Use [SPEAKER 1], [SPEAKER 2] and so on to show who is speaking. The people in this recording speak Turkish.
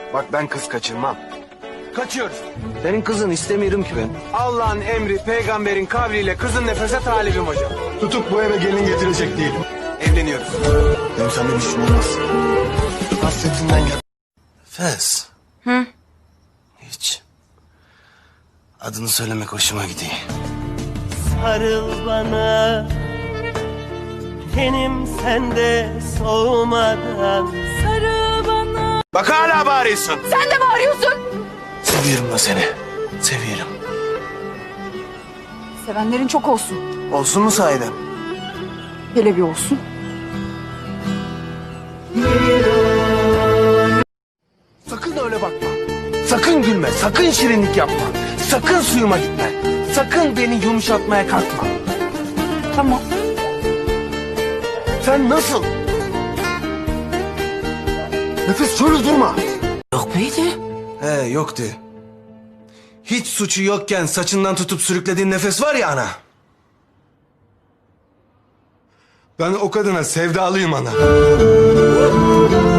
[SPEAKER 1] Bak ben kız kaçırmam. Kaçıyoruz.
[SPEAKER 2] Senin kızın istemiyorum ki ben.
[SPEAKER 1] Allah'ın emri peygamberin kavliyle kızın nefese talibim hocam.
[SPEAKER 3] Tutup bu eve gelin getirecek değilim.
[SPEAKER 1] Evleniyoruz.
[SPEAKER 3] Benim senden işim olmaz. Hasretinden gel.
[SPEAKER 2] Fes. Hı? Hiç. Adını söylemek hoşuma gidiyor.
[SPEAKER 4] Sarıl bana, tenim sende soğumadan.
[SPEAKER 5] Sarıl bana.
[SPEAKER 1] Bak hala bağırıyorsun.
[SPEAKER 5] Sen de bağırıyorsun.
[SPEAKER 2] Seviyorum da seni. Seviyorum.
[SPEAKER 5] Sevenlerin çok olsun.
[SPEAKER 1] Olsun mu sahiden?
[SPEAKER 5] Hele bir olsun.
[SPEAKER 1] Sakın öyle bakma. Sakın gülme, sakın şirinlik yapma. Sakın suyuma gitme. Sakın beni yumuşatmaya kalkma.
[SPEAKER 5] Tamam.
[SPEAKER 1] Sen nasıl? Nefes şöyle durma.
[SPEAKER 2] Yok muydu? He yoktu. Hiç suçu yokken saçından tutup sürüklediğin nefes var ya ana.
[SPEAKER 3] Ben o kadına sevdalıyım ana.